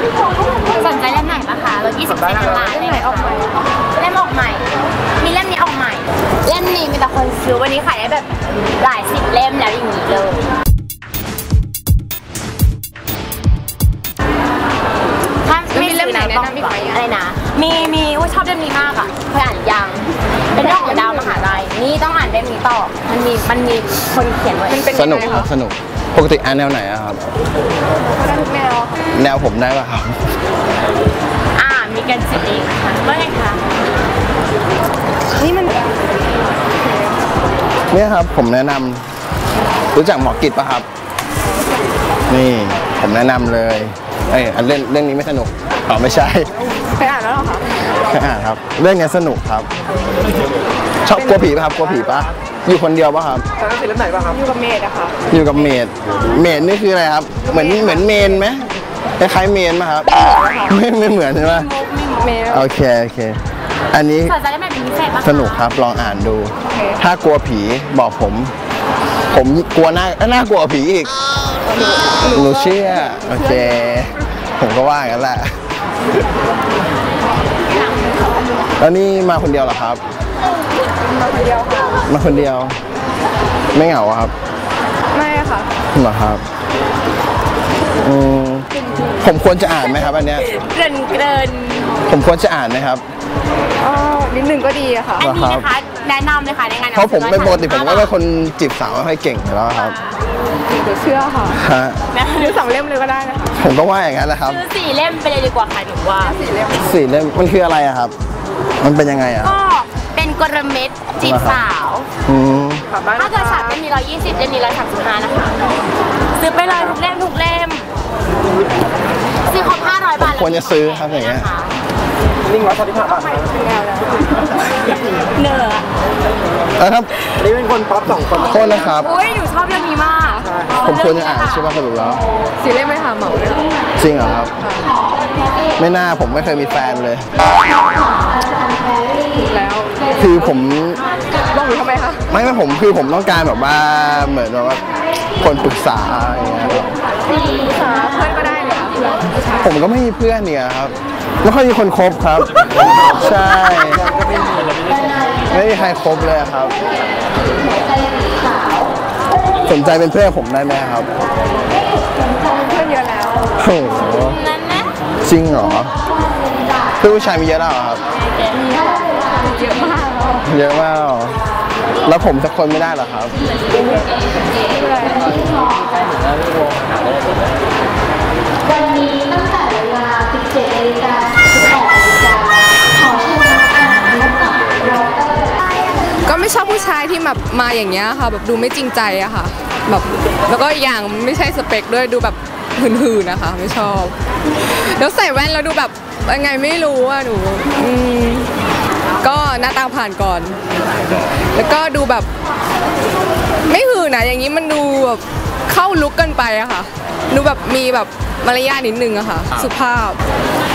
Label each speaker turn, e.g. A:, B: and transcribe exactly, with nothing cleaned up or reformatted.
A: สนใจเล่มไหนปะคะรถยี่สิบเซนต์ล้านเล่มไหนออกใหม่เล่มออกใหม่มีเล่มนี้ออกใหม่เล่มนี้มีแต่คนซื้อวันนี้ขายได้แบบหลายสิบเล่มแล้วอย่างนี้เลยถ้าไม่เล่มไหนแนะนำพี่อะไรนะมีมีว่าชอบเล่มนี้มากอ่ะเคยอ่านยังเป็นเรื่องของดาวมหาลัยนี่ต้องอ่านเล่มนี้ต่อมันมีมันมีคนเขียนไว้
B: สนุกครับสนุกปกติอ่านแนวไหนอะครับ
A: ได้ทุกแนว
B: แนวผมได้ป่ะครับ
A: อ่ามีกันสิเองค่ะว่าไงคะนี่มัน
B: เนี่ยครับผมแนะนำรู้จักหมอกิจป่ะครับนี่ผมแนะนำเลยเอ้ยเรื่องเรื่องนี้ไม่สนุกอ๋อไม่ใช่
A: ไปอ่านแล้วหรอคะ
B: ไปอ่านครับเรื่องนี้สนุกครับชอบกลัวผีป่ะครับกลัวผีป่ะอยู่คนเดียวป่ะครับ
A: ตอนนั้นเป็นเรื่องไหนป่ะครับอยู่กับเมดอะค่ะ
B: อยู่กับเมดเมดนี่คืออะไรครับเหมือนเหมือนเมนไหมคล้ายๆเมนป่ะครับไม่ไม่เหมือนใช่ไหมโอเคโอเคอันนี้สนุกครับลองอ่านดูถ้ากลัวผีบอกผมผมกลัวหน้าน่ากลัวผีอีกหนูเชื่อโอเคผมก็ว่ากันแหละแล้วนี่มาคนเดียวเหรอครับ
A: มาคนเดียวค่ะ
B: มาคนเดียวไม่เหงาครับ
A: ไม่ค่ะ
B: เหรอครับอืมผมควรจะอ่านไหมครับอันเนี้ย
A: เกินเกิน
B: ผมควรจะอ่านไหมครับ
A: อ๋อนิดนึงก็ดีอะค่ะอันนี้นะคะแนะนำเลยค่ะในงาน
B: เพราะผมเป็นปกติผมก็เป็นคนจีบสาวไม่ค่อยเก่งแล้วครับ
A: เดี๋ยวเชื่อค่ะ
B: ฮะ
A: ซื้อสองเล่มเลยก็ได้นะคะ
B: ผมก็ว่าอย่างนั้นแหละครับ
A: ซื้อสี่เล่มไปเลยดีกว่าค่ะหนูว่าสี่เล่ม
B: สี่เล่มมันคืออะไรอะครับมันเป็นยังไงอะ
A: ก็เป็นกลเม็ดจีบสาวถ้าเกิดสามเล่มมีร้อยยี่สิบเล่มมีร้อยสามสิบห้านะคะซื้อไปเลยทุกเล่มทุกเล่มซื้อครบห้าร้อยบาท
B: ควรจะซื้อครับอย่างเงี้ย
A: นิ่งร้อยสามสิบห้าบาทเนื้อ
B: แล้วครับ
C: นี่เป็นคนป๊อปสองคน
B: โทษนะครับ
A: อุ้ยหนูชอบเรื่องนี้มาก
B: ผมควรจะอ่านใช่ไหมสรุปแล้ว
A: สี่เล่มไม่ค่ะเหมาเลย
B: จริงเหรอครับไม่น่าผมไม่เคยมีแฟนเลย
A: แล้ว
B: คือผม
A: บ้องหรือทำไมคะ
B: ไม่ไม่ผมคือผมต้องการแบบว่าเหมือนแบบว่าคนปรึกษาอย่างเงี้ย
A: ปรึกษาเพื่อนก็ได้เลย
B: ผมก็ไม่มีเพื่อนเนี่ยครับไม่ค่อยมีคนคบครับใช่ไม่มีใครคบเลยครับสนใจเป็นเพื่อนผมได้ไหมครับ
A: เพื่อนเยอะแล้ว
B: โอ้โหจริงเหรอเพื่อนผู้ชายมีเยอะแล้วครับ
A: เยอะมาก
B: เยอะมากแล้วผมสักคนไม่ได้หรอครับ
D: วันนี้ตั้งแต่เวลา สิบเจ็ดนาฬิกา สิบแปดนาฬิกา ขอเชิญนักอ่านพบกับดร.
E: ก็ไม่ชอบผู้ชายที่แบบมาอย่างเงี้ยค่ะแบบดูไม่จริงใจอะค่ะแบบแล้วก็อย่างไม่ใช่สเปคด้วยดูแบบหืนๆนะคะไม่ชอบแล้วใส่แว่นแล้วดูแบบยังไงไม่รู้อะหนูอืมก็หน้าตาผ่านก่อนแล้วก็ดูแบบไม่หืนนะอย่างนี้มันดูแบบเข้าลุกกันไปอะค่ะดูแบบมีแบบมารยาทนิดนึงอะค่ะสุภาพ